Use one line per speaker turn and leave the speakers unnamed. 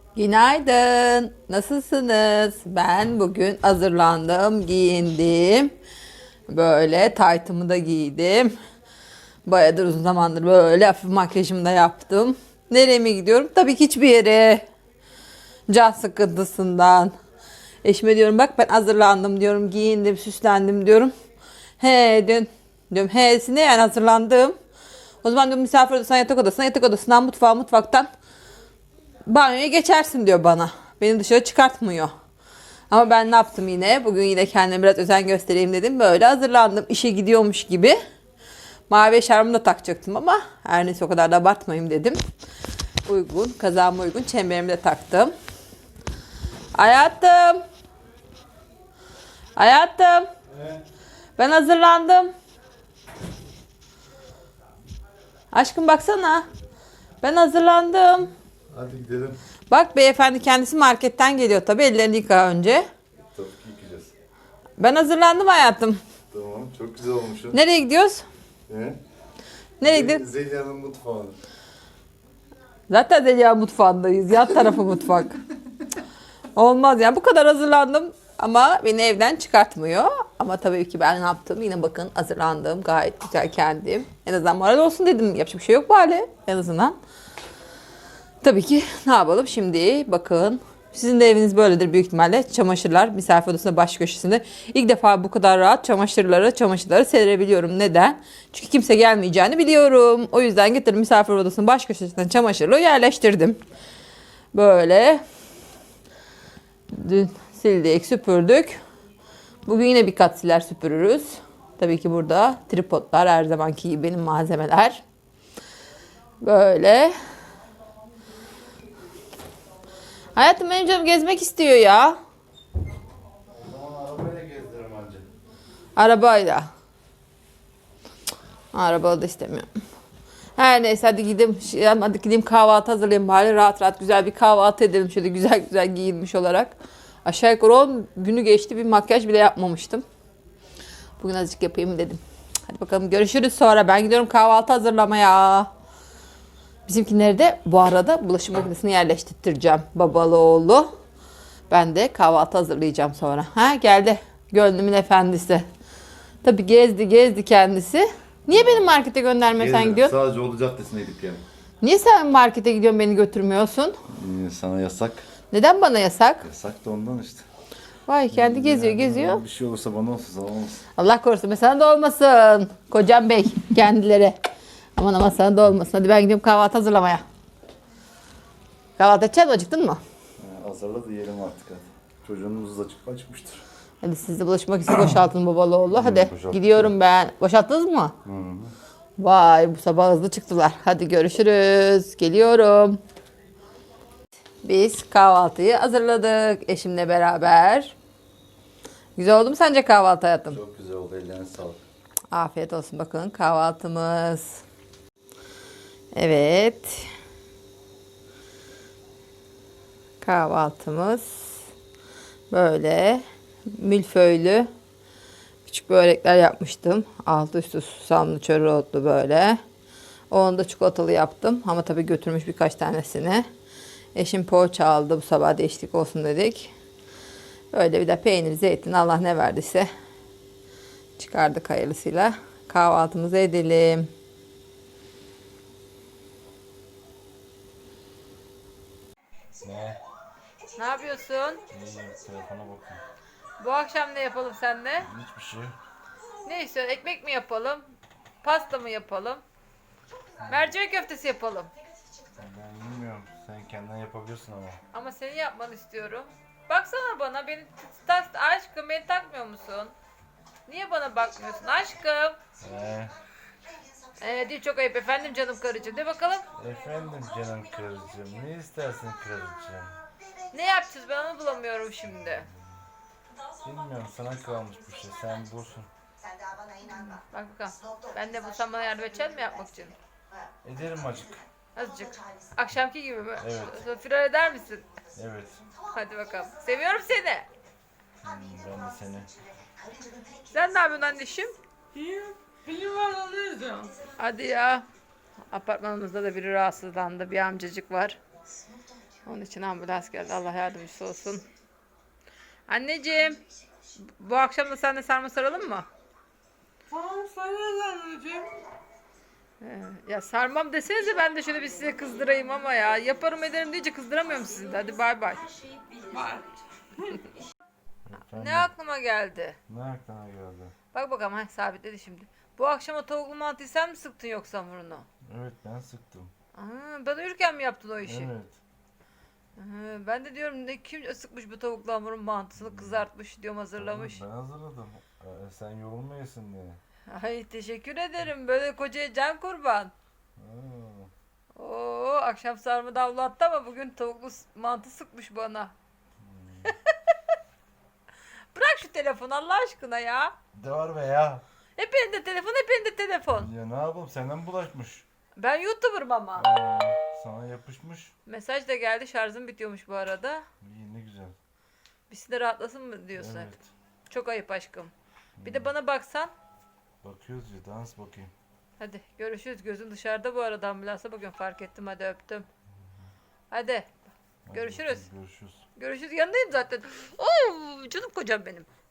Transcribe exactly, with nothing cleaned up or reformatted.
Günaydın. Nasılsınız? Ben bugün hazırlandım, giyindim. Böyle taytımı da giydim. Bayağıdır uzun zamandır böyle hafif makyajımı da yaptım. Nereye mi gidiyorum? Tabii ki hiçbir yere. Can sıkıntısından. Eşime diyorum bak ben hazırlandım diyorum, giyindim, süslendim diyorum. He dün diyorum he ne yani hazırlandım. O zaman diyorum misafir odasına, yatak odasına, yatak odasından mutfağa, mutfaktan banyoya geçersin diyor bana. Beni dışarı çıkartmıyor. Ama ben ne yaptım yine? Bugün yine kendime biraz özen göstereyim dedim. Böyle hazırlandım. İşe gidiyormuş gibi. Mavi eşarbımı da takacaktım ama her neyse o kadar da abartmayayım dedim. Uygun, kazağıma uygun çemberimi de taktım. Hayatım. Hayatım.
Evet.
Ben hazırlandım. Aşkım baksana. Ben hazırlandım.
Hadi gidelim.
Bak beyefendi kendisi marketten geliyor tabii. Ellerini yıka önce.
Tabii ki yıkayacağız.
Ben hazırlandım hayatım.
Tamam, çok güzel olmuşsun.
Nereye gidiyoruz?
Ne?
Nereye gidiyoruz?
Zeliha'nın mutfağı.
Zaten Zeliha mutfağındayız. Yan tarafı mutfak. Olmaz yani bu kadar hazırlandım ama beni evden çıkartmıyor. Ama tabii ki ben ne yaptım? Yine bakın hazırlandım. Gayet güzel kendim. En azından moral olsun dedim. Yapacak bir şey yok bu hale. En azından. Tabii ki ne yapalım şimdi bakın. Sizin de eviniz böyledir büyük ihtimalle. Çamaşırlar misafir odasında baş köşesinde. İlk defa bu kadar rahat çamaşırları çamaşırları serebiliyorum. Neden? Çünkü kimse gelmeyeceğini biliyorum. O yüzden getirdim misafir odasının baş köşesinden çamaşırlığı yerleştirdim. Böyle. Dün sildik, süpürdük. Bugün yine bir kat siler süpürürüz. Tabii ki burada tripodlar her zamanki gibi benim malzemeler. Böyle. Hayatım benim canım gezmek istiyor ya.
O zaman arabayla gezdiririm anca.
Arabayla. Arabalı da istemiyorum. Her neyse hadi gideyim. Hadi gideyim kahvaltı hazırlayayım bari. Rahat rahat güzel bir kahvaltı edelim. Şöyle güzel güzel giyinmiş olarak. Aşağı yukarı on günü geçti. Bir makyaj bile yapmamıştım. Bugün azıcık yapayım dedim. Hadi bakalım görüşürüz sonra. Ben gidiyorum kahvaltı hazırlamaya. Bizimkileri de bu arada bulaşık makinesini yerleştireceğim. Babalı oğlu. Ben de kahvaltı hazırlayacağım sonra. Ha geldi. Gönlümün efendisi. Tabii gezdi gezdi kendisi. Niye beni markete göndermesen
Gezdim.
gidiyorsun?
Sadece Oğlu Caddesi'ne gidip geldim.
Niye sen markete gidiyorsun beni götürmüyorsun?
Ee, sana yasak.
Neden bana yasak?
Yasak da ondan işte.
Vay kendi geziyor
Yani
geziyor.
Bir şey olursa bana olsun, sana olmasın.
Allah korusun mesela da olmasın. Kocam bey kendileri. Aman aman sana da olmasın. Hadi ben gidiyorum kahvaltı hazırlamaya. Kahvaltı edeceksin mi? Acıktın mı?
Ee, hazırla da yiyelim artık hadi. Çocuğunuz da çık acıkmıştır.
Hadi siz de bulaşık makinesi boşaltın babalı oğlu. Hadi
boşalttık
gidiyorum ben. Boşalttınız mı?
Hı hı.
Vay bu sabah hızlı çıktılar. Hadi görüşürüz. Geliyorum. Biz kahvaltıyı hazırladık eşimle beraber. Güzel oldu mu sence kahvaltı hayatım?
Çok güzel oldu, ellerine sağlık.
Afiyet olsun bakın kahvaltımız. Evet. Kahvaltımız böyle milföylü küçük börekler yapmıştım. Altı üstü susamlı çörotlu böyle. Onu da çikolatalı yaptım ama tabii götürmüş birkaç tanesini. Eşim poğaça aldı bu sabah değişiklik olsun dedik. Böyle bir de peynir, zeytin Allah ne verdiyse çıkardık hayırlısıyla. Kahvaltımızı edelim.
Ne?
Ne yapıyorsun?
İyiyim, telefona bakın.
Bu akşam ne yapalım seninle?
Hiçbir şey.
Ne istiyorsun? Ekmek mi yapalım? Pasta mı yapalım? Mercimek köftesi yapalım.
Ben bilmiyorum, sen kendin yapabilirsin ama.
Ama seni yapmanı istiyorum. Baksana bana, beni tak, aşkım beni takmıyor musun? Niye bana bakmıyorsun aşkım?
Ee,
Ee, değil çok ayıp efendim canım karıcığım. De bakalım.
efendim canım karıcığım, ne istersin karıcığım?
Ne yapacağız ben onu bulamıyorum şimdi.
Bilmiyorum, sana kalmış bir şey, sen bulsun.
Bak bakalım. Ben de bulsam bana yardım edecek mi yapmak için?
Ederim acık.
Azıcık. Akşamki gibi mi?
Evet.
Firar eder misin?
Evet.
Hadi bakalım. Seviyorum seni.
Hmm, ben de seni.
Sen ne yapıyorsun anneciğim?
İyiyim. Film var onu izliyorum.
Hadi ya. Apartmanımızda da biri rahatsızlandı. Bir amcacık var. Onun için ambulans geldi. Allah yardımcısı olsun. Anneciğim, bu akşam da sen de sarma saralım mı?
Tamam sarıl anneciğim.
Ee, ya sarmam desenize ben de şöyle bir size kızdırayım ama ya. Yaparım ederim deyince kızdıramıyorum sizi de. Hadi bay bay.
Bak.
Efendim,
Ne aklıma geldi?
ne aklına geldi?
Bak bakalım ha sabitledi şimdi. Bu akşama tavuklu mantıyı sen mi sıktın yoksa hamurunu?
Evet, ben sıktım.
Aa, ben uyurken mi yaptın o işi?
Evet.
Aa, ben de diyorum ne kim sıkmış bu tavuklu hamurun mantısını kızartmış diyorum hazırlamış.
Ben hazırladım. Ee, sen yorulmayasın diye.
Ay teşekkür ederim böyle kocaya can kurban.
Aa,
Oo akşam sarma davlattı ama bugün tavuklu s- mantı sıkmış bana. Bırak şu telefonu Allah aşkına ya.
de var be ya.
Hep elinde telefon hep elinde telefon.
Ya ne yapalım, senden bulaşmış.
Ben YouTuber'ım ama.
Aa, sana yapışmış.
Mesaj da geldi şarjım bitiyormuş bu arada.
İyi, ne güzel.
Birisi de rahatlasın mı diyorsun?
Evet.
Çok ayıp aşkım. Bir de bana baksan.
Bakıyoruz ya, dans bakayım.
Hadi görüşürüz. Gözüm dışarıda bu arada ambulansa bakıyorum fark ettim. Hadi öptüm. Hadi.
Hadi
Görüşürüz.
bakalım, görüşürüz.
Görüşürüz. Yanındayım zaten. Oo, canım kocam benim.